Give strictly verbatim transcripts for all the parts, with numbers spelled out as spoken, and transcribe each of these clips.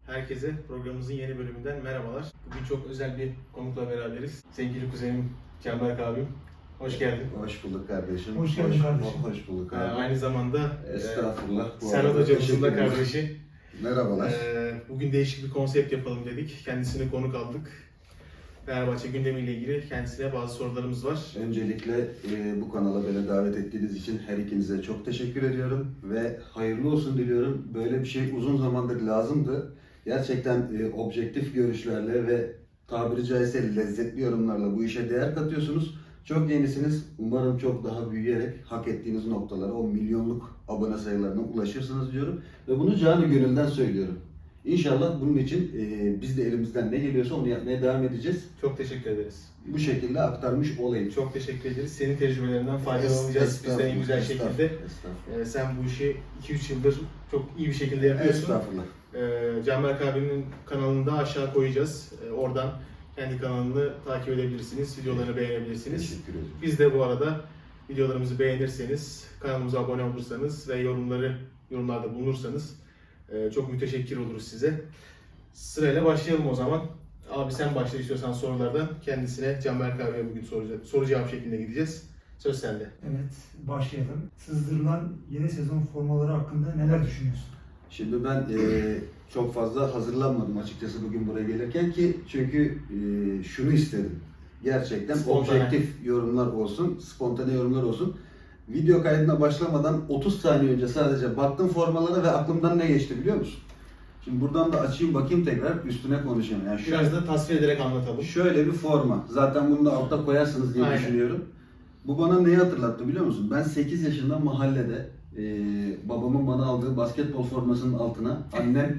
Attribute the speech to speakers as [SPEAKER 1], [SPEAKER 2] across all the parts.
[SPEAKER 1] Herkese programımızın yeni bölümünden merhabalar. Bugün çok özel bir konukla beraberiz. Sevgili kuzenim Canberk abim. Hoş geldin.
[SPEAKER 2] Hoş bulduk kardeşim.
[SPEAKER 3] Hoş geldin kardeşim.
[SPEAKER 2] Hoş bulduk
[SPEAKER 1] Ee,
[SPEAKER 2] abi.
[SPEAKER 1] aynı zamanda
[SPEAKER 2] Estağfurullah.
[SPEAKER 1] e,
[SPEAKER 2] Bu
[SPEAKER 1] Serhat
[SPEAKER 2] arada
[SPEAKER 1] hocamızın da
[SPEAKER 2] teşekkürler.
[SPEAKER 1] kardeşi.
[SPEAKER 2] Merhabalar.
[SPEAKER 1] Ee, bugün değişik bir konsept yapalım dedik. Kendisine konuk aldık. Fenerbahçe gündemiyle ilgili kendisine bazı sorularımız var.
[SPEAKER 2] Öncelikle e, bu kanala beni davet ettiğiniz için her ikinize çok teşekkür ediyorum ve hayırlı olsun diliyorum. Böyle bir şey uzun zamandır lazımdı. Gerçekten e, objektif görüşlerle ve tabiri caizse lezzetli yorumlarla bu işe değer katıyorsunuz. Çok yenisiniz. Umarım çok daha büyüyerek hak ettiğiniz noktalara, o milyonluk abone sayılarına ulaşırsınız diyorum. Ve bunu canı gönülden söylüyorum. İnşallah bunun için e, biz de elimizden ne geliyorsa onu yapmaya devam edeceğiz.
[SPEAKER 1] Çok teşekkür ederiz.
[SPEAKER 2] Bu şekilde aktarmış olayım.
[SPEAKER 1] Çok teşekkür ederiz. Senin tecrübelerinden faydalanacağız biz de en güzel şekilde.
[SPEAKER 2] Estağfurullah.
[SPEAKER 1] Ee, sen bu işi iki üç yıldır çok iyi bir şekilde yapıyorsun.
[SPEAKER 2] Estağfurullah.
[SPEAKER 1] Ee, Canberk abinin kanalını da aşağı koyacağız. Ee, oradan kendi kanalını takip edebilirsiniz, videolarını beğenebilirsiniz.
[SPEAKER 2] Teşekkür ederim.
[SPEAKER 1] Biz de bu arada videolarımızı beğenirseniz, kanalımıza abone olursanız ve yorumları yorumlarda bulunursanız e, çok müteşekkir oluruz size. Sırayla başlayalım o zaman. Abi sen başla istiyorsan sorulardan. Kendisine Canberk abiye bugün soru, soru cevap şeklinde gideceğiz. Söz sende.
[SPEAKER 3] Evet, başlayalım. Sızdırılan yeni sezon formaları hakkında neler düşünüyorsun?
[SPEAKER 2] Şimdi ben e, çok fazla hazırlanmadım açıkçası bugün buraya gelirken ki çünkü e, şunu istedim. Gerçekten
[SPEAKER 1] Spontane.
[SPEAKER 2] objektif yorumlar olsun, spontane yorumlar olsun. Video kaydına başlamadan otuz saniye önce sadece baktım formalara ve aklımdan ne geçti biliyor musun? Şimdi buradan da açayım bakayım tekrar üstüne konuşayım. Yani şöyle,
[SPEAKER 1] Biraz da tasvir ederek anlatalım.
[SPEAKER 2] şöyle bir forma. Zaten bunu da altta koyarsınız diye
[SPEAKER 1] Aynen.
[SPEAKER 2] düşünüyorum. Bu bana neyi hatırlattı biliyor musun? Ben sekiz yaşında mahallede e, babamın bana aldığı basketbol formasının altına annem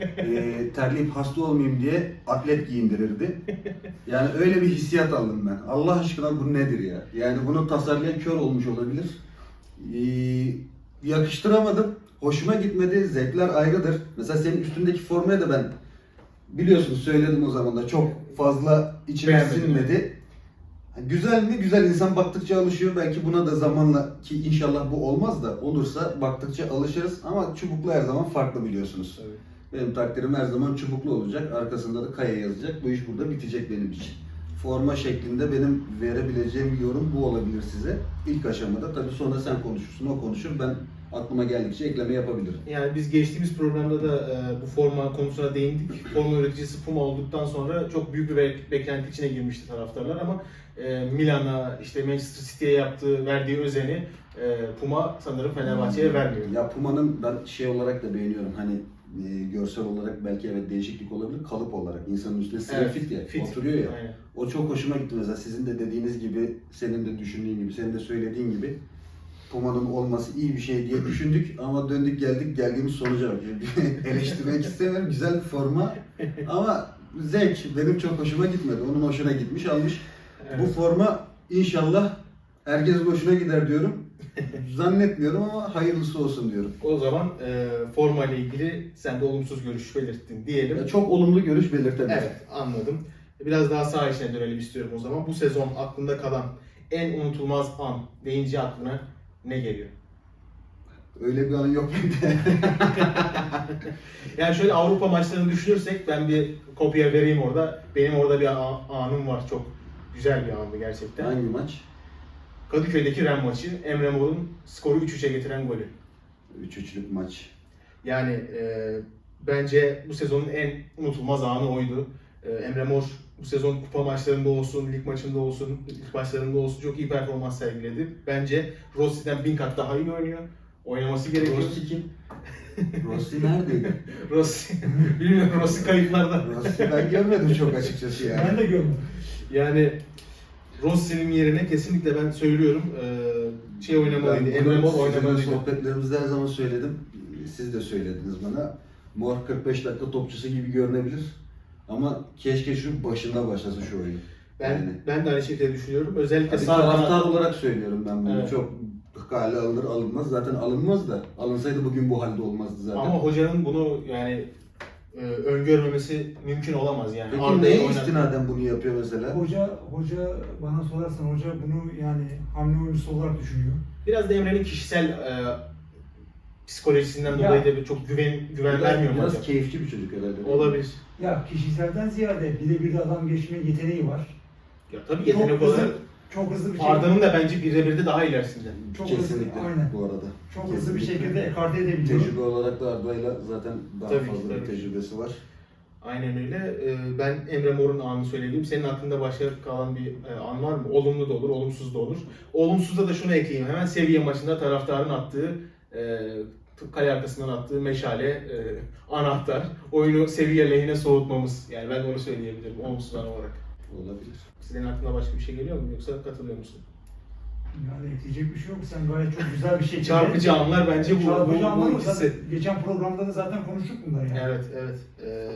[SPEAKER 2] e, terleyip hasta olmayayım diye atlet giyindirirdi. Yani öyle bir hissiyat aldım ben. Allah aşkına bu nedir ya? Yani bunu tasarlayan kör olmuş olabilir. E, yakıştıramadım. Hoşuma gitmedi. Zevkler ayrıdır. Mesela senin üstündeki formaya da ben biliyorsun söyledim o zaman da çok fazla içime
[SPEAKER 1] Beğenmedim.
[SPEAKER 2] sinmedi. Güzel mi? Güzel. İnsan baktıkça alışıyor. Belki buna da zamanla ki inşallah bu olmaz da olursa baktıkça alışırız. Ama çubuklu her zaman farklı biliyorsunuz.
[SPEAKER 1] Evet.
[SPEAKER 2] Benim takdirim her zaman çubuklu olacak. Arkasında da kaya yazacak. Bu iş burada bitecek benim için. Forma şeklinde benim verebileceğim bir yorum bu olabilir size. İlk aşamada. Tabii sonra sen konuşursun, o konuşur. Ben aklıma geldikçe ekleme yapabilirim.
[SPEAKER 1] Yani biz geçtiğimiz programda da e, bu forma konusuna değindik. Forma üreticisi Puma olduktan sonra çok büyük bir be- beklenti içine girmişti taraftarlar ama e, Milan'a, işte Manchester City'ye yaptığı, verdiği özeni e, Puma sanırım Fenerbahçe'ye vermiyor.
[SPEAKER 2] Ya Puma'nın ben şey olarak da beğeniyorum. Hani e, görsel olarak belki evet değişiklik olabilir. Kalıp olarak insanın üstüne sıra
[SPEAKER 1] Evet,
[SPEAKER 2] fit ya.
[SPEAKER 1] fit.
[SPEAKER 2] Oturuyor ya.
[SPEAKER 1] Aynen.
[SPEAKER 2] O çok hoşuma gitti mesela. Sizin de dediğiniz gibi, senin de düşündüğün gibi, senin de söylediğin gibi Puma'nın olması iyi bir şey diye düşündük ama döndük geldik geldiğimiz sonuca bak. Eleştirmek istemiyorum. Güzel bir forma ama zevk. Benim çok hoşuma gitmedi. Onun hoşuna gitmiş, almış.
[SPEAKER 1] Evet.
[SPEAKER 2] Bu forma inşallah herkes hoşuna gider diyorum. Zannetmiyorum ama hayırlısı olsun diyorum.
[SPEAKER 1] O zaman e, forma ile ilgili sen de olumsuz görüş belirttin diyelim.
[SPEAKER 2] Ya çok olumlu görüş belirtebilirim.
[SPEAKER 1] Evet, anladım. Biraz daha sağ içine dönelim istiyorum o zaman. Bu sezon aklında kalan en unutulmaz an deyince aklına ne geliyor?
[SPEAKER 2] Öyle bir an yok bende.
[SPEAKER 1] Yani şöyle Avrupa maçlarını düşünürsek ben bir kopya vereyim orada. Benim orada bir a- anım var. Çok güzel bir andı gerçekten.
[SPEAKER 2] Hangi maç?
[SPEAKER 1] Kadıköy'deki Ren maçı. Emre Mor'un skoru üç üçe getiren golü.
[SPEAKER 2] üç üçlük maç.
[SPEAKER 1] Yani e, bence bu sezonun en unutulmaz anı oydu. E, Emre Mor bu sezon kupa maçlarında olsun, lig maçında olsun, lig maçlarında olsun çok iyi performans sergiledi. Bence Rossi'den bin kat daha iyi oynuyor. Oynaması gerekiyor.
[SPEAKER 2] Rossi kim? Rossi neredeydi?
[SPEAKER 1] Rossi, bilmiyorum Rossi kayıplarda.
[SPEAKER 2] Rossi ben görmedim çok açıkçası yani.
[SPEAKER 3] Ben de görmedim.
[SPEAKER 1] Yani Rossi'nin yerine kesinlikle ben söylüyorum e, şey oynamalıydı,
[SPEAKER 2] Ben
[SPEAKER 1] Emre Mor
[SPEAKER 2] bunu
[SPEAKER 1] oynamalıydı.
[SPEAKER 2] sizinle sohbetlerimizde her zaman söyledim. Siz de söylediniz bana. Mor kırk beş dakika topçusu gibi görünebilir. Ama keşke şu başında başlasa şu oyun.
[SPEAKER 1] Ben
[SPEAKER 2] Yani.
[SPEAKER 1] ben de aynı şekilde düşünüyorum. Özellikle
[SPEAKER 2] Bir
[SPEAKER 1] sağ
[SPEAKER 2] taraftar
[SPEAKER 1] kanat.
[SPEAKER 2] olarak söylüyorum ben bunu.
[SPEAKER 1] Evet.
[SPEAKER 2] Çok kale alınır alınmaz. Zaten alınmaz da. Alınsaydı bugün bu halde olmazdı zaten.
[SPEAKER 1] Ama hocanın bunu yani e, öngörmemesi mümkün olamaz yani.
[SPEAKER 2] Peki
[SPEAKER 1] Arda'yı
[SPEAKER 2] neye
[SPEAKER 1] oynat-
[SPEAKER 2] istinaden bunu yapıyor mesela?
[SPEAKER 3] Hoca, hoca bana sorarsan hoca bunu yani hamle oyuncusu olarak düşünüyor.
[SPEAKER 1] Biraz da Emre'nin kişisel e, psikolojisinden
[SPEAKER 3] Ya.
[SPEAKER 1] dolayı da bir çok güven güven vermiyor mu
[SPEAKER 2] biraz
[SPEAKER 1] hocam?
[SPEAKER 2] keyifçi bir çocuk herhalde. değil mi?
[SPEAKER 1] Olabilir.
[SPEAKER 3] Ya kişiselden ziyade birebir de adam geçme yeteneği var.
[SPEAKER 1] Ya tabii yetenek
[SPEAKER 3] Çok
[SPEAKER 1] olarak
[SPEAKER 3] hızlı, çok hızlı bir şekilde.
[SPEAKER 1] Arda'nın da bence birebir de daha ilerisinde.
[SPEAKER 3] Çok hızlı,
[SPEAKER 2] Kesinlikle
[SPEAKER 3] aynen.
[SPEAKER 2] bu arada.
[SPEAKER 3] Çok hızlı bir
[SPEAKER 2] Kesinlikle.
[SPEAKER 3] şekilde ekarte edebiliyor.
[SPEAKER 2] Tecrübe olarak da Arda'yla zaten daha
[SPEAKER 1] Tabii ki,
[SPEAKER 2] fazla bir
[SPEAKER 1] tabii.
[SPEAKER 2] tecrübesi var.
[SPEAKER 1] Aynen öyle. Ee, Ben Emre Mor'un anını söyleyeyim. Senin aklında başka kalan bir e, an var mı? Olumlu da olur, olumsuz da olur. Olumsuzda da şunu ekleyeyim. Hemen Seviye maçında taraftarın attığı, e, kale arkasından attığı meşale, e, anahtar. Oyunu Seviye lehine soğutmamız. Yani ben onu söyleyebilirim olumsuz an olarak.
[SPEAKER 2] Olabilir.
[SPEAKER 1] Senin aklına başka bir şey geliyor mu? Yoksa katılıyor musun?
[SPEAKER 3] Yani ekleyecek bir şey yok. Sen gayet çok güzel bir şekilde.
[SPEAKER 1] Çarpıcı anlar bence bu.
[SPEAKER 3] Çarpıcı
[SPEAKER 1] bu,
[SPEAKER 3] anlar
[SPEAKER 1] bu
[SPEAKER 3] mı?
[SPEAKER 1] ikisi.
[SPEAKER 3] Zaten geçen programda da zaten konuştuk bunları yani.
[SPEAKER 1] Evet, evet. Ee,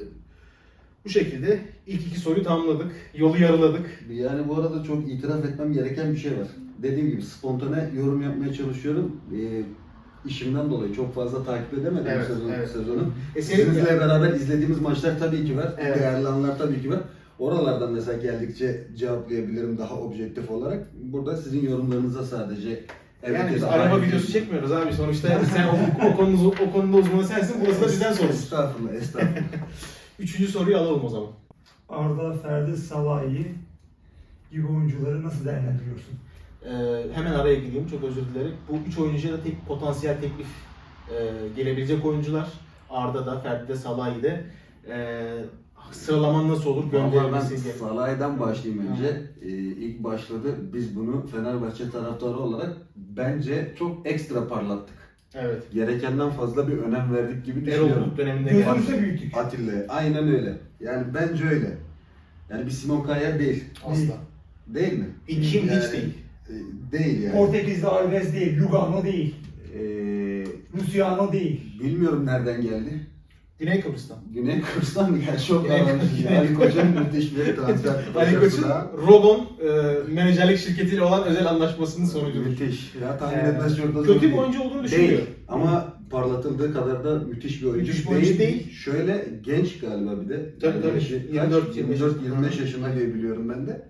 [SPEAKER 1] bu şekilde ilk iki soruyu tamamladık. Yolu yarıladık.
[SPEAKER 2] Yani bu arada çok itiraf etmem gereken bir şey var. Dediğim gibi spontane yorum yapmaya çalışıyorum. Ee, işimden dolayı çok fazla takip edemedim
[SPEAKER 1] Evet,
[SPEAKER 2] bu sezon,
[SPEAKER 1] evet.
[SPEAKER 2] sezonu.
[SPEAKER 1] E senin-
[SPEAKER 2] Sizinle beraber izlediğimiz maçlar tabii ki var.
[SPEAKER 1] Evet.
[SPEAKER 2] Değerli anlar tabii ki var. Oralardan mesela geldikçe cevaplayabilirim daha objektif olarak. Burada sizin yorumlarınıza sadece evet
[SPEAKER 1] Yani
[SPEAKER 2] ya
[SPEAKER 1] biz
[SPEAKER 2] da
[SPEAKER 1] araba
[SPEAKER 2] hayır
[SPEAKER 1] videosu
[SPEAKER 2] diyorsun.
[SPEAKER 1] çekmiyoruz abi. Sonuçta sen o, o, konunun, o konuda uzmanı sensin. Burası da bizden sorumuz.
[SPEAKER 2] Estağfurullah, estağfurullah.
[SPEAKER 1] Üçüncü soruyu alalım o zaman.
[SPEAKER 3] Arda, Ferdi, Salahi gibi oyuncuları nasıl değerlendiriyorsun?
[SPEAKER 1] Ee, hemen araya gireyim. Çok özür dilerim. Bu üç oyuncuya da tek potansiyel teklif e, gelebilecek oyuncular. Arda da, Ferdi de, Salahi de. E, sıralaman nasıl olur?
[SPEAKER 2] Vallahi
[SPEAKER 1] Gönderilmesi
[SPEAKER 2] ben
[SPEAKER 1] diye.
[SPEAKER 2] Salah'dan başlayayım önce. Ee, ilk başladı. Biz bunu Fenerbahçe taraftarı olarak bence çok ekstra parlattık.
[SPEAKER 1] Evet.
[SPEAKER 2] Gerekenden fazla bir önem verdik gibi
[SPEAKER 1] Erol
[SPEAKER 2] düşünüyorum.
[SPEAKER 1] Bulut döneminde geldi.
[SPEAKER 3] Gözümüzde büyüttük.
[SPEAKER 2] Atilla. Aynen öyle. Yani bence öyle. Yani bir Simon Kjaer değil.
[SPEAKER 1] Asla.
[SPEAKER 2] Değil mi?
[SPEAKER 1] İlk kim
[SPEAKER 2] Yani,
[SPEAKER 1] hiç değil.
[SPEAKER 2] e, Değil yani.
[SPEAKER 3] Portekizli Alves değil, Lugano değil,
[SPEAKER 2] Ee,
[SPEAKER 3] Luciano değil.
[SPEAKER 2] bilmiyorum nereden geldi.
[SPEAKER 1] Güney Kıbrıs'tan.
[SPEAKER 2] Güney Kıbrıs'tan mı geldi? Çok
[SPEAKER 1] Güney
[SPEAKER 2] anlamış.
[SPEAKER 1] Kıbrıs'tan.
[SPEAKER 2] Ali Koç'un müthiş bir transfer.
[SPEAKER 1] Ali Koç'un
[SPEAKER 2] başarısı.
[SPEAKER 1] Rogon e, menajerlik şirketiyle olan özel anlaşmasının sonucudur.
[SPEAKER 2] Müthiş. Ya tahmin
[SPEAKER 1] Ee,
[SPEAKER 2] etmez çok da zor
[SPEAKER 1] kötü bir
[SPEAKER 2] değil.
[SPEAKER 1] oyuncu olduğunu düşünmüyorum.
[SPEAKER 2] Değil. Ama parlatıldığı kadar da müthiş bir oyuncu,
[SPEAKER 1] Müthiş bir oyuncu değil.
[SPEAKER 2] Şöyle genç galiba bir de.
[SPEAKER 1] Tabii, tabii.
[SPEAKER 2] yaşı-
[SPEAKER 1] yirmi dört, yirmi beş.
[SPEAKER 2] yirmi dört yirmi beş yaşında diye biliyorum ben de.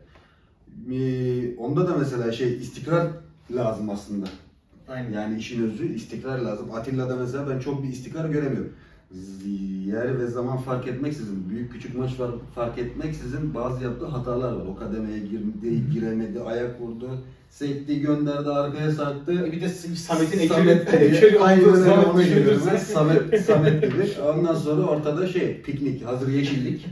[SPEAKER 2] Ee, onda da mesela şey istikrar lazım aslında.
[SPEAKER 1] Aynen.
[SPEAKER 2] Yani işin özü istikrar lazım. Atilla'da mesela ben çok bir istikrar göremiyorum. Z- Yer ve zaman fark etmeksizin, büyük küçük maç var fark etmeksizin bazı yaptığı hatalar var. O kademeye girdi, giremedi, ayak vurdu, sekti, gönderdi, arkaya sarktı.
[SPEAKER 1] E bir de Samet'in
[SPEAKER 2] Samet
[SPEAKER 1] ekürü
[SPEAKER 2] gibi, aynen öyle onu görüyoruz.
[SPEAKER 1] düşünürsen.
[SPEAKER 2] Samet, Samet gibi. Ondan sonra ortada şey, piknik, hazır yeşillik.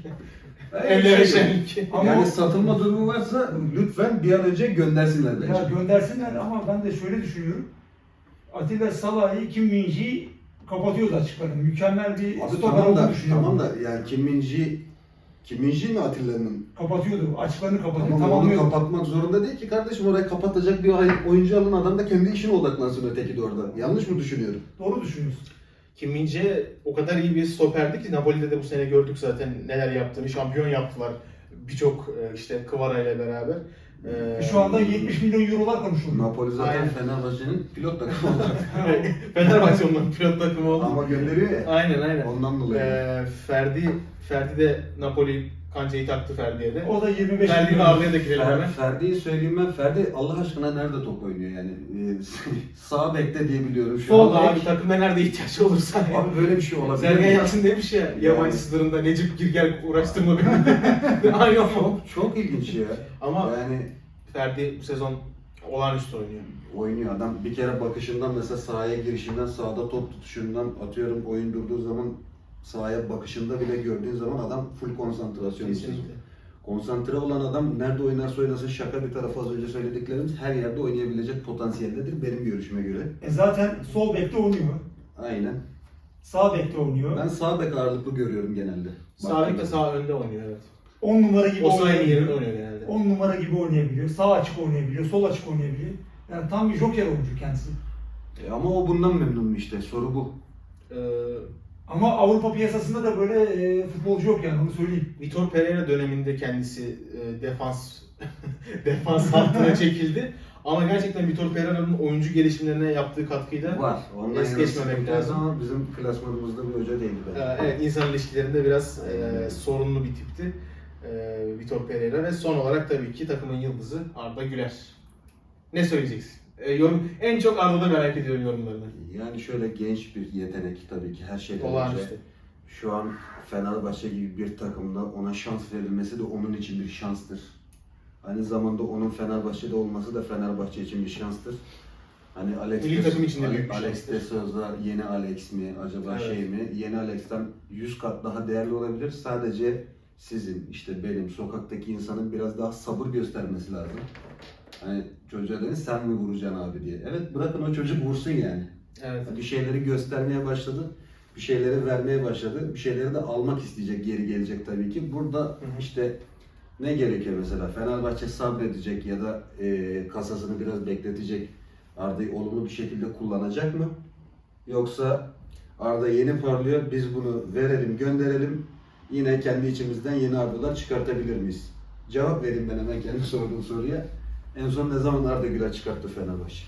[SPEAKER 1] Evlere şenlik.
[SPEAKER 3] Ama
[SPEAKER 2] Yani
[SPEAKER 3] o-
[SPEAKER 2] satılma durumu varsa lütfen bir an önce göndersinler bence.
[SPEAKER 3] Ya göndersinler ama ben de şöyle düşünüyorum. Atilla Salahi, Kim Min-ji kapatıyordu açıklarını. Mükemmel bir
[SPEAKER 2] Abi
[SPEAKER 3] stoper
[SPEAKER 2] tamam
[SPEAKER 3] olduğunu
[SPEAKER 2] da,
[SPEAKER 3] düşünüyorum.
[SPEAKER 2] tamam da yani Kim Min-ji, Kim Min-ji mi Atilla'nın?
[SPEAKER 3] Kapatıyordu. Açıklarını kapatıyordu.
[SPEAKER 2] Tamam onu
[SPEAKER 3] Tamamlıyordu.
[SPEAKER 2] kapatmak zorunda değil ki kardeşim, oraya kapatacak bir oyuncu alın, adam da kendi işine odaklansın öteki de orada. Yanlış mı düşünüyorum?
[SPEAKER 3] Doğru düşünüyorsun.
[SPEAKER 1] Kim Min-jae o kadar iyi bir stoperdi ki Napoli'de de bu sene gördük zaten neler yaptığını. Şampiyon yaptılar birçok e, işte Kvara ile beraber. Ee,
[SPEAKER 3] Şu anda yetmiş milyon eurolar konuşuluyor.
[SPEAKER 2] Napoli zaten
[SPEAKER 1] Aynen.
[SPEAKER 2] Fenerbahçe'nin pilot takımı olarak.
[SPEAKER 1] Fenerbahçe onların pilot takımı oldu.
[SPEAKER 2] Ama gönderiyor ya.
[SPEAKER 1] Aynen aynen.
[SPEAKER 2] Ondan dolayı.
[SPEAKER 1] Ee, Ferdi Ferdi de Napoli kancayı taktı Ferdi'ye de.
[SPEAKER 3] O da yirmi beş
[SPEAKER 1] Ferdi ve
[SPEAKER 3] milyon.
[SPEAKER 1] Arda'ya da girelim
[SPEAKER 2] Fer,
[SPEAKER 1] hemen.
[SPEAKER 2] Ferdi'yi söyleyeyim ben. Ferdi Allah aşkına nerede top oynuyor yani? Ee, sağ bekte diye biliyorum şu
[SPEAKER 3] Sol
[SPEAKER 2] an.
[SPEAKER 1] Vallahi abi takımda nerede ihtiyaç olursa.
[SPEAKER 2] Abi böyle bir şey olabilir.
[SPEAKER 1] Sergen
[SPEAKER 2] mi?
[SPEAKER 1] Yalçın demiş ya,
[SPEAKER 2] Yani.
[SPEAKER 1] yabancı sınırında Necip Girgel uğraştırma beni. Aynı o.
[SPEAKER 2] Çok, çok ilginç ya.
[SPEAKER 1] Ama
[SPEAKER 2] Yani
[SPEAKER 1] Ferdi bu sezon olağanüstü oynuyor.
[SPEAKER 2] oynuyor adam. Bir kere bakışından mesela sahaya girişinden, sahada top tutuşundan atıyorum oyun durduğu zaman sahaya bakışında bile gördüğün zaman adam full konsantrasyon.
[SPEAKER 1] Kesinlikle.
[SPEAKER 2] Konsantre olan adam nerede oynarsa oynasın, şaka bir tarafa az önce söylediklerimiz her yerde oynayabilecek potansiyeldedir benim görüşüme göre.
[SPEAKER 3] E zaten sol bekte oynuyor.
[SPEAKER 2] Aynen.
[SPEAKER 3] Sağ bekte oynuyor.
[SPEAKER 2] Ben sağ bek ağırlıklı görüyorum genelde.
[SPEAKER 1] Sağ bek de sağ önde oynuyor evet.
[SPEAKER 3] on numara gibi
[SPEAKER 1] O sahayı
[SPEAKER 3] oynayabiliyor.
[SPEAKER 1] yerinde oynuyor genelde.
[SPEAKER 3] on numara gibi oynayabiliyor. Sağ açık oynayabiliyor. Sol açık oynayabiliyor. Yani tam bir joker oyuncu kendisi.
[SPEAKER 2] E ama o bundan memnun mu işte, soru bu.
[SPEAKER 1] Ee,
[SPEAKER 3] Ama Avrupa piyasasında da böyle e, futbolcu yok yani onu söyleyeyim.
[SPEAKER 1] Vitor Pereira döneminde kendisi e, defans defans hattına çekildi. Ama gerçekten Vitor Pereira'nın oyuncu gelişimlerine yaptığı katkıyla
[SPEAKER 2] Var. Ondan
[SPEAKER 1] es
[SPEAKER 2] yana
[SPEAKER 1] geçmemek
[SPEAKER 2] sıkıntı
[SPEAKER 1] lazım.
[SPEAKER 2] Ama bizim klasmanımızda bir hoca değildi
[SPEAKER 1] e,
[SPEAKER 2] bence.
[SPEAKER 1] evet insan ilişkilerinde biraz
[SPEAKER 2] Aynen.
[SPEAKER 1] e, sorunlu bir tipti. E, Vitor Pereira ve son olarak tabii ki takımın yıldızı Arda Güler. Ne söyleyeceksin? E, yorum, en çok Arda'da merak ediyorum yorumlarını.
[SPEAKER 2] Yani şöyle genç bir yetenek tabii ki her şeyden önce.
[SPEAKER 1] Olağanüstü.
[SPEAKER 2] Şu an Fenerbahçe gibi bir takımda ona şans verilmesi de onun için bir şanstır. Aynı zamanda onun Fenerbahçe'de olması da Fenerbahçe için bir şanstır. Hani Alex,
[SPEAKER 1] Milli takım için de büyük bir
[SPEAKER 2] Alex
[SPEAKER 1] şanstır.
[SPEAKER 2] de Souza yeni Alex mi acaba
[SPEAKER 1] Evet.
[SPEAKER 2] şey mi? Yeni Alex'ten yüz kat daha değerli olabilir. Sadece sizin işte benim sokaktaki insanın biraz daha sabır göstermesi lazım. Hani çocuğa dedi sen mi vuracaksın abi diye. Evet bırakın o çocuk vursun yani.
[SPEAKER 1] Evet.
[SPEAKER 2] Bir şeyleri göstermeye başladı. Bir şeyleri vermeye başladı. Bir şeyleri de almak isteyecek, geri gelecek tabii ki. Burada
[SPEAKER 1] hı.
[SPEAKER 2] işte ne gerekiyor mesela? Fenerbahçe sabredecek ya da e, kasasını biraz bekletecek. Arda'yı olumlu bir şekilde kullanacak mı? Yoksa Arda yeni parlıyor, biz bunu verelim, gönderelim. Yine kendi içimizden yeni Arda'lar çıkartabilir miyiz? Cevap vereyim ben hemen kendi sorduğum soruya. En son ne zaman Arda Güler çıkarttı Fenerbahçe?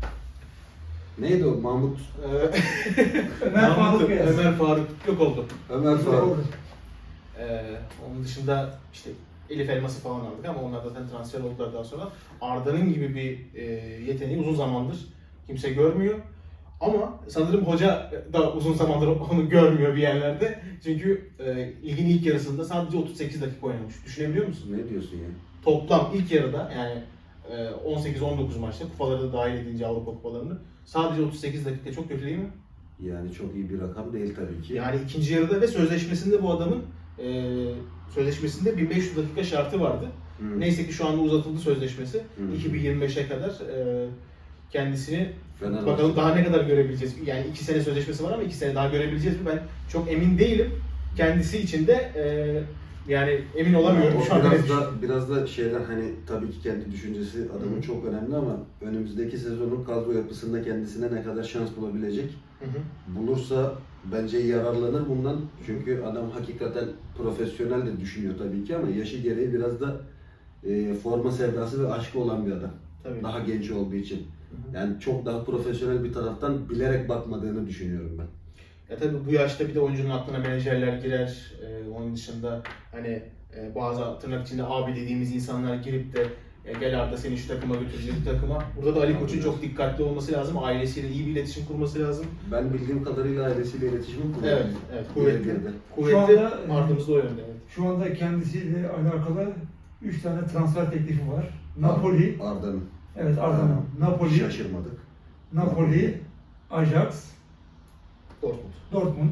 [SPEAKER 2] Neydi o? Mahmut
[SPEAKER 1] Ee,
[SPEAKER 3] Ömer Faruk
[SPEAKER 1] Mahmut-
[SPEAKER 3] Beyaz.
[SPEAKER 1] Ömer Faruk yok oldu.
[SPEAKER 2] Ömer Faruk.
[SPEAKER 1] Ee, onun dışında işte Elif Elmas'ı falan aldık ama onlar zaten transfer oldular daha sonra. Arda'nın gibi bir e, yeteneği uzun zamandır kimse görmüyor. Ama sanırım hoca da uzun zamandır onu görmüyor bir yerlerde. Çünkü e, ligin ilk yarısında sadece otuz sekiz dakika oynamış. Düşünebiliyor musun?
[SPEAKER 2] Ne diyorsun ya?
[SPEAKER 1] Toplam ilk yarıda yani e, on sekiz on dokuz maçta kupaları da dahil edince Avrupa kupalarını sadece otuz sekiz dakika çok kötü değil mi?
[SPEAKER 2] Yani çok iyi bir rakam değil tabii ki.
[SPEAKER 1] Yani ikinci yarıda ve sözleşmesinde bu adamın e, sözleşmesinde bin beş yüz dakika şartı vardı.
[SPEAKER 2] Hı.
[SPEAKER 1] Neyse ki şu anda uzatıldı sözleşmesi.
[SPEAKER 2] Hı.
[SPEAKER 1] iki bin yirmi beşe kadar e, kendisini
[SPEAKER 2] Fenerbahçe.
[SPEAKER 1] bakalım daha ne kadar görebileceğiz. Yani iki sene sözleşmesi var ama iki sene daha görebileceğiz mi? Ben çok emin değilim. Kendisi için de e, yani emin olamıyorum
[SPEAKER 2] O
[SPEAKER 1] şu anda.
[SPEAKER 2] biraz da biraz da şeyler hani tabii ki kendi düşüncesi adamın
[SPEAKER 1] Hı.
[SPEAKER 2] çok önemli ama önümüzdeki sezonun kadro yapısında kendisine ne kadar şans bulabilecek?
[SPEAKER 1] Hı hı.
[SPEAKER 2] Bulursa bence yararlanır bundan. Çünkü adam hakikaten profesyonel de düşünüyor tabii ki ama yaşı gereği biraz da e, forma sevdası ve aşkı olan bir adam.
[SPEAKER 1] Tabii.
[SPEAKER 2] Daha genç olduğu için.
[SPEAKER 1] Hı hı.
[SPEAKER 2] Yani çok daha profesyonel bir taraftan bilerek bakmadığını düşünüyorum ben.
[SPEAKER 1] Ya tabii bu yaşta bir de oyuncunun aklına menajerler girer. Ee, onun dışında hani e, bazı tırnak içinde abi dediğimiz insanlar girip de e, gel Arda seni şu takıma götürecek bir takıma. Burada da Ali Koç'un çok dikkatli olması lazım. Ailesiyle iyi bir iletişim kurması lazım.
[SPEAKER 2] Ben bildiğim kadarıyla ailesiyle iletişimi kurdu.
[SPEAKER 1] Evet, evet. Kuvvetli.
[SPEAKER 2] Girdi.
[SPEAKER 1] Kuvvetli.
[SPEAKER 3] Şu anda, e,
[SPEAKER 1] Ardımız da o yönde. Evet.
[SPEAKER 3] Şu anda kendisiyle alakalı üç tane transfer teklifi var. Napoli,
[SPEAKER 2] Arda'nın.
[SPEAKER 3] evet Arda'nın. Napoli,
[SPEAKER 2] Şaşırmadık.
[SPEAKER 3] Napoli, Ajax,
[SPEAKER 1] Dortmund.
[SPEAKER 3] Dortmund.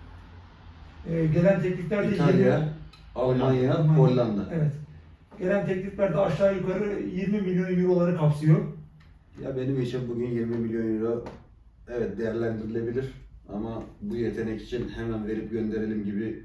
[SPEAKER 3] Ee, gelen teklifler de
[SPEAKER 2] İtalya,
[SPEAKER 3] yirmi
[SPEAKER 2] Almanya,
[SPEAKER 3] Almanya.
[SPEAKER 2] Hollanda.
[SPEAKER 3] Evet. Gelen teklifler de aşağı yukarı yirmi milyon euroları kapsıyor.
[SPEAKER 2] Ya benim için bugün yirmi milyon euro evet değerlendirilebilir ama bu yetenek için hemen verip gönderelim gibi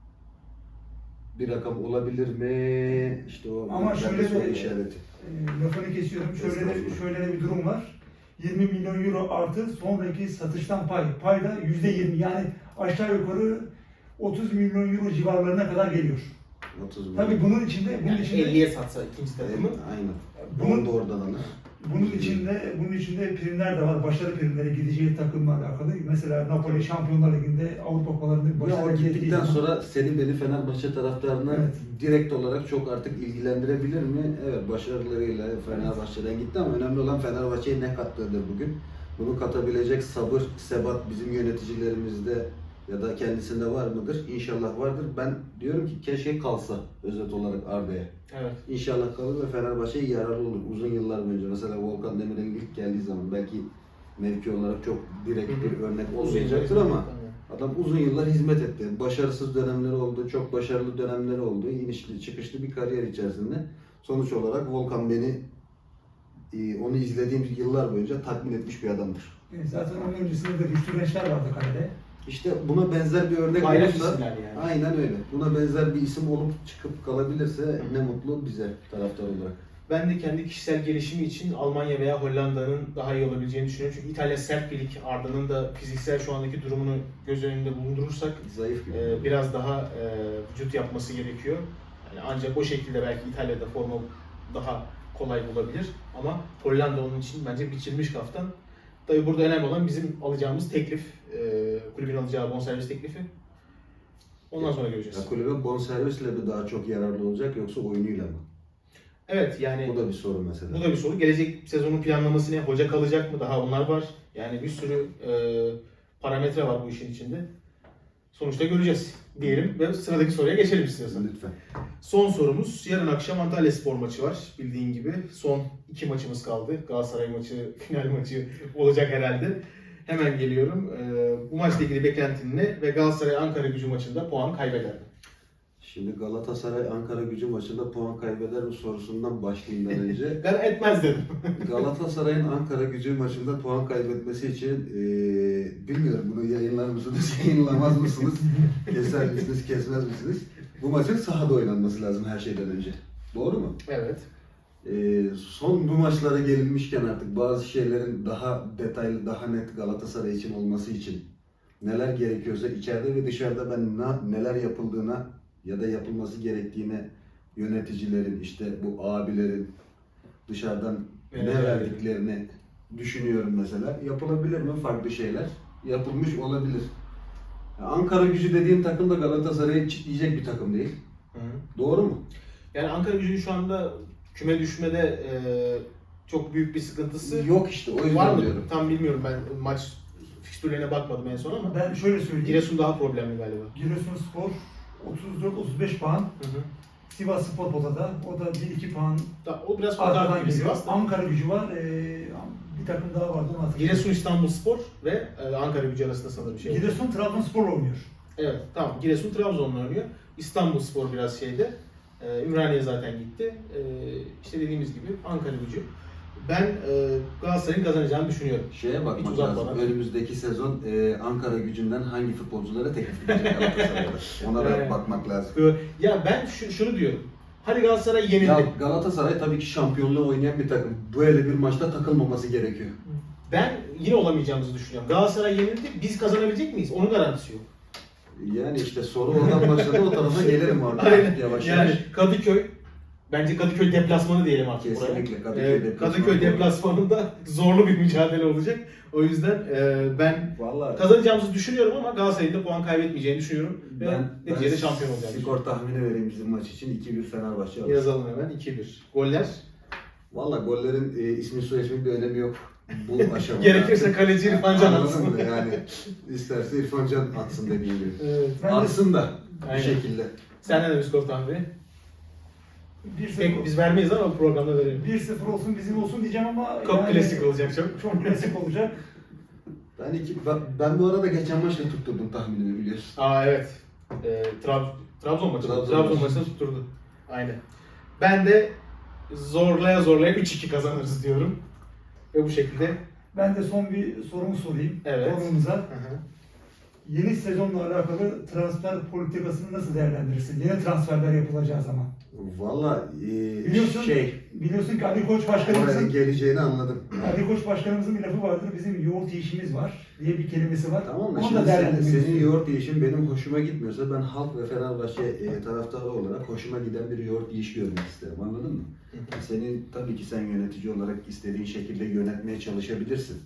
[SPEAKER 2] bir rakam olabilir mi? İşte o
[SPEAKER 3] Ama
[SPEAKER 2] bir
[SPEAKER 3] şöyle
[SPEAKER 2] soru
[SPEAKER 3] de-
[SPEAKER 2] işareti.
[SPEAKER 3] Ee, lafını kesiyorum. Şöyle de,
[SPEAKER 2] Estağfurullah.
[SPEAKER 3] şöyle de bir durum var. yirmi milyon euro artı sonraki satıştan pay. Pay da yüzde yirmi. Yani aşağı yukarı otuz milyon euro civarlarına kadar geliyor.
[SPEAKER 2] otuz milyon.
[SPEAKER 3] Tabii bunun içinde bunun
[SPEAKER 1] Yani
[SPEAKER 3] içinde
[SPEAKER 1] elliye satsa ikinci takımı.
[SPEAKER 2] Aynen.
[SPEAKER 3] Bunun-
[SPEAKER 2] Bunu da oradan alır.
[SPEAKER 3] bunun içinde bunun içinde primler de var. Başarı primleri gideceği takımla alakalı. Mesela Napoli Şampiyonlar Ligi'nde Avrupa Kupalarında
[SPEAKER 2] Ya
[SPEAKER 3] başarı
[SPEAKER 2] o
[SPEAKER 3] elde ettiği
[SPEAKER 2] gittikten
[SPEAKER 3] zaman-
[SPEAKER 2] sonra seni beni Fenerbahçe taraftarına
[SPEAKER 3] Evet.
[SPEAKER 2] direkt olarak çok artık ilgilendirebilir mi? Evet başarılarıyla Fenerbahçe'den gitti ama önemli olan Fenerbahçe'ye ne kattığıdır bugün. Bunu katabilecek sabır, sebat bizim yöneticilerimizde ya da kendisinde var mıdır? İnşallah vardır. Ben diyorum ki keşke kalsa özet olarak Arda'ya.
[SPEAKER 1] Evet.
[SPEAKER 2] İnşallah kalır ve Fenerbahçe'ye yararlı olur. Uzun yıllar boyunca mesela Volkan Demirel'in ilk geldiği zaman belki mevki olarak çok direkt
[SPEAKER 1] Hı hı.
[SPEAKER 2] bir örnek
[SPEAKER 1] Uzun
[SPEAKER 2] olmayacaktır
[SPEAKER 1] yıllar
[SPEAKER 2] ama
[SPEAKER 1] hizmet,
[SPEAKER 2] adam uzun yıllar hizmet etti. Başarısız dönemleri oldu, çok başarılı dönemleri oldu. İnişli çıkışlı bir kariyer içerisinde. Sonuç olarak Volkan beni e, onu izlediğim yıllar boyunca tatmin etmiş bir adamdır.
[SPEAKER 3] E, Zaten onun öncesinde de Rüştü Gençler vardı kalede.
[SPEAKER 2] İşte buna benzer bir örnek
[SPEAKER 1] Gayret
[SPEAKER 2] olursa,
[SPEAKER 1] isimler yani.
[SPEAKER 2] aynen öyle. Buna benzer bir isim olup çıkıp kalabilirse
[SPEAKER 1] Hı.
[SPEAKER 2] ne mutlu bize taraftar olarak.
[SPEAKER 1] Ben de kendi kişisel gelişimi için Almanya veya Hollanda'nın daha iyi olabileceğini düşünüyorum. Çünkü İtalya sert bir lig. Arda'nın da fiziksel şu andaki durumunu göz önünde bulundurursak
[SPEAKER 2] Zayıf gibi.
[SPEAKER 1] e, biraz daha e, vücut yapması gerekiyor. Yani ancak o şekilde belki İtalya'da forma daha kolay bulabilir. Ama Hollanda onun için bence biçilmiş kaftan. Tabii burada önemli olan bizim alacağımız teklif, e, kulübün alacağı bonservis teklifi. Ondan sonra göreceğiz.
[SPEAKER 2] Ya kulübe bonservisle mi daha çok yararlı olacak yoksa oyunuyla mı?
[SPEAKER 1] Evet yani
[SPEAKER 2] Bu da bir sorun mesela.
[SPEAKER 1] bu da bir soru. Gelecek sezonun planlaması ne? Hoca kalacak mı? Daha onlar var. Yani bir sürü e, parametre var bu işin içinde. Sonuçta göreceğiz diyelim ve sıradaki soruya geçelim istiyorsan.
[SPEAKER 2] Lütfen.
[SPEAKER 1] Son sorumuz. Yarın akşam Antalyaspor maçı var. Bildiğin gibi son iki maçımız kaldı. Galatasaray maçı, final maçı olacak herhalde. Hemen geliyorum. Ee, bu maçla ilgili beklentin ne? Ve Galatasaray Ankara Gücü maçında puan kaybeder mi?
[SPEAKER 2] Şimdi Galatasaray Ankara Gücü maçında puan kaybeder mi sorusundan başlayayım önce.
[SPEAKER 1] Ben etmez dedim.
[SPEAKER 2] Galatasaray'ın Ankara Gücü maçında puan kaybetmesi için eee bilmiyorum bunu yayınlar mısınız, yayınlamaz mısınız, keser misiniz, kesmez misiniz? Bu maçın sahada oynanması lazım her şeyden önce. Doğru mu?
[SPEAKER 1] Evet.
[SPEAKER 2] Eee son bu maçlara gelinmişken artık bazı şeylerin daha detaylı, daha net Galatasaray için olması için neler gerekiyorsa içeride ve dışarıda ben na- neler yapıldığına ya da yapılması gerektiğine yöneticilerin, işte bu abilerin dışarıdan
[SPEAKER 1] Evet.
[SPEAKER 2] ne verdiklerini düşünüyorum mesela. Yapılabilir mi farklı şeyler? Yapılmış olabilir. Ya Ankara Gücü dediğim takım da Galatasaray'ı çitleyecek bir takım değil.
[SPEAKER 1] Hı hı.
[SPEAKER 2] Doğru mu?
[SPEAKER 1] Yani Ankara Gücü'nün şu anda küme düşmede e, çok büyük bir sıkıntısı
[SPEAKER 2] Yok işte o yüzden
[SPEAKER 1] var mı?
[SPEAKER 2] diyorum.
[SPEAKER 1] Tam bilmiyorum, ben maç fikstürlerine bakmadım en son ama
[SPEAKER 3] Ben şöyle söyleyeyim.
[SPEAKER 1] Giresun daha problemli galiba.
[SPEAKER 3] Giresunspor otuz dört otuz beş puan.
[SPEAKER 1] Hı hı.
[SPEAKER 3] Sivasspor potada. O da bir iki puan
[SPEAKER 1] Da- O biraz kurtardı
[SPEAKER 3] arkadan
[SPEAKER 1] gibi
[SPEAKER 3] geliyor.
[SPEAKER 1] Sivas'ta.
[SPEAKER 3] Ankara Gücü var. Ee, bir takım daha vardı onu hatırlıyorum.
[SPEAKER 1] Giresun İstanbulspor ve e, Ankara Gücü arasında sanırım şey.
[SPEAKER 3] Giresun Trabzonspor oynuyor.
[SPEAKER 1] Evet, tamam. Giresun Trabzon'la oynuyor. İstanbulspor biraz şeyde. E, Ümraniye zaten gitti. E, işte dediğimiz gibi Ankara Gücü. Ben e, Galatasaray'ın kazanacağını düşünüyorum.
[SPEAKER 2] Şeye
[SPEAKER 1] Hiç
[SPEAKER 2] bakmak
[SPEAKER 1] uzatmadan.
[SPEAKER 2] lazım. Önümüzdeki sezon e, Ankara Gücü'nden hangi futbolculara teklif edecek Galatasaray'da? Ona da
[SPEAKER 1] Evet.
[SPEAKER 2] bakmak lazım.
[SPEAKER 1] E, Ya ben şu, şunu diyorum. Hadi Galatasaray yenildi.
[SPEAKER 2] Ya Galatasaray tabii ki şampiyonluğu oynayan bir takım. Böyle bir maçta takılmaması gerekiyor.
[SPEAKER 1] Ben yine olamayacağımızı düşünüyorum. Galatasaray yenildi. Biz kazanabilecek miyiz? Onun garantisi yok.
[SPEAKER 2] Yani işte soru oradan başladı, o tarafa gelelim artık
[SPEAKER 1] Aynen.
[SPEAKER 2] yavaş
[SPEAKER 1] Yani
[SPEAKER 2] yavaş.
[SPEAKER 1] Kadıköy, bence Kadıköy deplasmanı diyelim artık buraya.
[SPEAKER 2] Kesinlikle Kadıköy
[SPEAKER 1] Ee,
[SPEAKER 2] deplasmanı.
[SPEAKER 1] Kadıköy deplasmanında zorlu bir mücadele olacak. O yüzden e, ben
[SPEAKER 2] Vallahi
[SPEAKER 1] kazanacağımızı düşünüyorum ama Galatasaray'ın da puan kaybetmeyeceğini düşünüyorum. Ve
[SPEAKER 2] ben,
[SPEAKER 1] neticede
[SPEAKER 2] ben
[SPEAKER 1] şampiyon olacağını
[SPEAKER 2] skor tahmini vereyim bizim maç için. iki bir Fenerbahçe alır.
[SPEAKER 1] Yazalım hemen iki bir. Goller.
[SPEAKER 2] Valla gollerin e, ismi soy ismi bir önemi yok bu aşamada.
[SPEAKER 1] Gerekirse kaleci İrfan Can
[SPEAKER 2] Anladın
[SPEAKER 1] atsın.
[SPEAKER 2] mı? Yani isterse İrfan Can atsın dediğim gibi.
[SPEAKER 1] Evet.
[SPEAKER 3] Ben de
[SPEAKER 2] Atsın da
[SPEAKER 1] Aynen.
[SPEAKER 2] bir şekilde.
[SPEAKER 1] Senden de bir skor tahmini.
[SPEAKER 3] bir
[SPEAKER 1] Pek
[SPEAKER 3] sıfır
[SPEAKER 1] biz vermeyiz ama bu programda verelim.
[SPEAKER 3] bir sıfır olsun bizim olsun diyeceğim ama
[SPEAKER 1] Çok klasik olacak çok.
[SPEAKER 3] Çok klasik olacak.
[SPEAKER 2] Ben, iki, ben, ben bu arada geçen maçta tutturdum tahminimi biliyorsun.
[SPEAKER 1] Aa evet. Ee, Trab Trabzon maçı.
[SPEAKER 2] Trabzon
[SPEAKER 1] Trabzon,
[SPEAKER 2] maçı.
[SPEAKER 1] maçını tutturdu. Aynen. Ben de zorlaya zorlaya üç iki kazanırız diyorum. Ve bu şekilde.
[SPEAKER 3] Ben de son bir sorumu sorayım.
[SPEAKER 1] Evet.
[SPEAKER 3] Sorumuza.
[SPEAKER 1] Hı hı.
[SPEAKER 3] Yeni sezonla alakalı transfer politikasını nasıl değerlendirirsin? Yeni transferler yapılacağı zaman.
[SPEAKER 2] Valla e,
[SPEAKER 3] Biliyorsun,
[SPEAKER 2] şey,
[SPEAKER 3] biliyorsun ki Ali Koç
[SPEAKER 2] oraya
[SPEAKER 3] Başkanımızın
[SPEAKER 2] geleceğini anladım.
[SPEAKER 3] Ali Koç Başkanımızın bir lafı vardır. Bizim yoğurt yiyişimiz var diye bir kelimesi var.
[SPEAKER 2] Tamam mı?
[SPEAKER 3] Onu
[SPEAKER 2] Şimdi
[SPEAKER 3] da
[SPEAKER 2] sen,
[SPEAKER 3] değerlendirmek
[SPEAKER 2] senin
[SPEAKER 3] istiyorum.
[SPEAKER 2] yoğurt yiyişin benim hoşuma gitmiyorsa ben halk ve Fenerbahçe e, taraftarı olarak hoşuma giden bir yoğurt yiyiş görmek isterim. Anladın mı?
[SPEAKER 1] Hı hı.
[SPEAKER 2] Senin tabii ki sen yönetici olarak istediğin şekilde yönetmeye çalışabilirsin.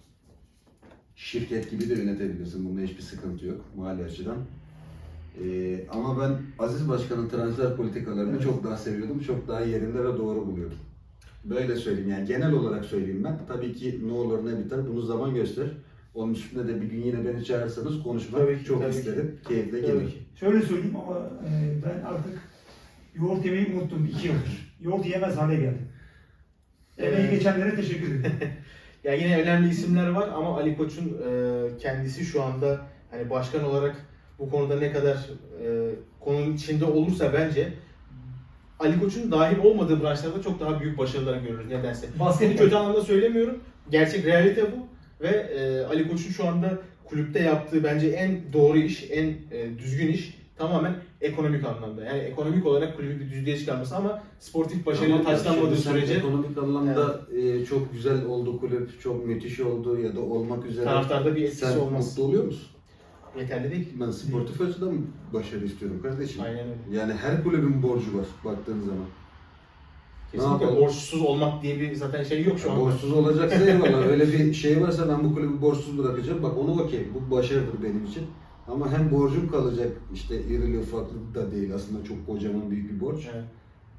[SPEAKER 2] Şirket gibi de yönetebilirsin. Bunda hiçbir sıkıntı yok mali açıdan. Ee, ama ben Aziz Başkan'ın transfer politikalarını
[SPEAKER 3] Evet.
[SPEAKER 2] çok daha seviyordum. Çok daha yerinde ve doğru buluyordum. Böyle söyleyeyim yani genel olarak söyleyeyim ben. Tabii ki ne olur ne biter bunu zaman gösterir. Onun üstünde de bir gün yine beni çağırırsanız konuşmak
[SPEAKER 1] Tabii ki,
[SPEAKER 2] çok
[SPEAKER 1] tabii ki.
[SPEAKER 2] isterim. Keyifle
[SPEAKER 1] Tabii
[SPEAKER 2] gelir.
[SPEAKER 1] ki.
[SPEAKER 3] Şöyle söyleyeyim ama e, ben artık yoğurt yemeyi unuttum iki yıldır. Yoğurt yemez hale geldim. Emeği
[SPEAKER 1] Evet.
[SPEAKER 3] geçenlere teşekkür ederim.
[SPEAKER 1] Ya yine önemli isimler var ama Ali Koç'un e, kendisi şu anda hani başkan olarak bu konuda ne kadar e, konunun içinde olursa bence Ali Koç'un dahil olmadığı branşlarda çok daha büyük başarılar görürüz nedense. Bunu
[SPEAKER 3] Basketbol.
[SPEAKER 1] kötü anlamda söylemiyorum. Gerçek realite bu ve e, Ali Koç'un şu anda kulüpte yaptığı bence en doğru iş, en e, düzgün iş tamamen ekonomik anlamda. Yani ekonomik olarak kulübü bir düzlüğe çıkarması ama sportif başarıyla
[SPEAKER 2] Tamam,
[SPEAKER 1] taçlanmadığı
[SPEAKER 2] şimdi sen
[SPEAKER 1] sürece
[SPEAKER 2] ekonomik anlamda e, çok güzel oldu kulüp, çok müthiş oldu ya da olmak üzere.
[SPEAKER 1] taraftarda bir etkisi
[SPEAKER 2] Sen
[SPEAKER 1] olmaz.
[SPEAKER 2] mutlu oluyor musun?
[SPEAKER 1] Yeterli değil.
[SPEAKER 2] Ben sportif açıdan başarı istiyorum kardeşim.
[SPEAKER 1] Aynen öyle.
[SPEAKER 2] Yani her kulübün borcu var baktığın zaman.
[SPEAKER 1] Kesinlikle
[SPEAKER 2] yapalım?
[SPEAKER 1] borçsuz olmak diye bir zaten şey yok şu anda.
[SPEAKER 2] Borçsuz olacaksa eyvallah. Öyle bir şey varsa ben bu kulübü borçsuz bırakacağım. Bak onu okey. Bu başarıdır benim için. Ama hem borcum kalacak, işte irili ufaklı da değil aslında çok kocaman büyük bir borç.
[SPEAKER 1] Evet.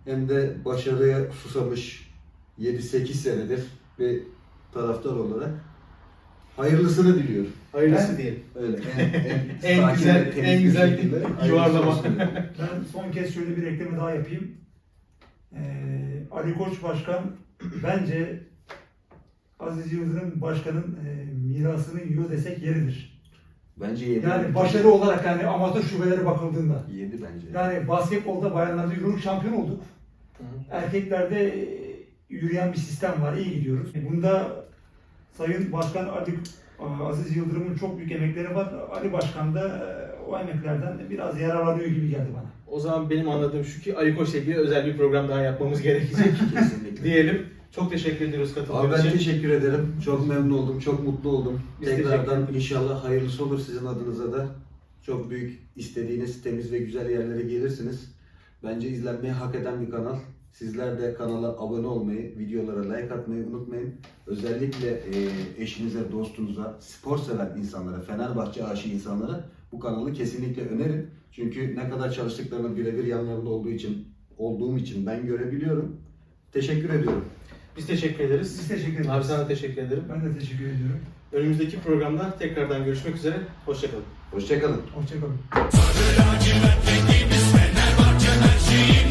[SPEAKER 2] hem de başarıya susamış yedi sekiz senedir bir taraftar olarak hayırlısını diliyorum.
[SPEAKER 1] Hayırlısı
[SPEAKER 3] Ben-
[SPEAKER 1] diyelim.
[SPEAKER 2] Öyle en, en,
[SPEAKER 1] En
[SPEAKER 2] sakin
[SPEAKER 1] güzel-
[SPEAKER 2] ve temiz
[SPEAKER 1] en
[SPEAKER 2] bir
[SPEAKER 1] güzel
[SPEAKER 2] şekilde hayırlısı
[SPEAKER 1] yuvarlama.
[SPEAKER 2] olsun diyorum.
[SPEAKER 3] Ben son kez şöyle bir ekleme daha yapayım. Ee, Ali Koç Başkan bence Aziz Yıldırım Başkan'ın e, mirasını yiyor desek yeridir.
[SPEAKER 2] Bence yedi.
[SPEAKER 3] Yani başarı olarak yani amatör şubelere bakıldığında.
[SPEAKER 2] Yedi bence.
[SPEAKER 3] Yani basketbolda bayanlarda Euroleague şampiyon olduk.
[SPEAKER 1] Hı hı.
[SPEAKER 3] Erkeklerde e, yürüyen bir sistem var. İyi gidiyoruz. Bunda Sayın Başkan Ali Aziz Yıldırım'ın çok büyük emekleri var. Ali Başkan da e, o emeklerden biraz yararlanıyor gibi geldi bana.
[SPEAKER 1] O zaman benim anladığım şu ki Ali Koç'la ilgili özel bir program daha yapmamız gerekecek
[SPEAKER 2] Kesinlikle.
[SPEAKER 1] diyelim. Çok teşekkür ediyoruz
[SPEAKER 2] Abi
[SPEAKER 1] katıldığınız
[SPEAKER 2] ben
[SPEAKER 1] için.
[SPEAKER 2] teşekkür ederim. Çok memnun oldum, çok mutlu oldum.
[SPEAKER 1] Biz teşekkür
[SPEAKER 2] Tekrardan
[SPEAKER 1] ederiz.
[SPEAKER 2] inşallah hayırlısı olur sizin adınıza da. Çok büyük istediğiniz temiz ve güzel yerlere gelirsiniz. Bence izlenmeyi hak eden bir kanal. Sizler de kanala abone olmayı, videolara like atmayı unutmayın. Özellikle e, eşinize, dostunuza, spor seven insanlara, Fenerbahçe aşığı insanlara bu kanalı kesinlikle önerin. Çünkü ne kadar çalıştıklarını birebir yanlarında olduğu için, olduğum için ben görebiliyorum. Teşekkür ediyorum.
[SPEAKER 1] Biz teşekkür ederiz.
[SPEAKER 3] Biz teşekkür ederiz.
[SPEAKER 1] Abi sana teşekkür ederim.
[SPEAKER 3] Ben de teşekkür ediyorum.
[SPEAKER 1] Önümüzdeki programda tekrardan görüşmek üzere. Hoşçakalın.
[SPEAKER 2] Hoşçakalın.
[SPEAKER 3] Hoşçakalın.
[SPEAKER 4] Sarı lacivert rengimiz Fenerbahçe her şeyimiz.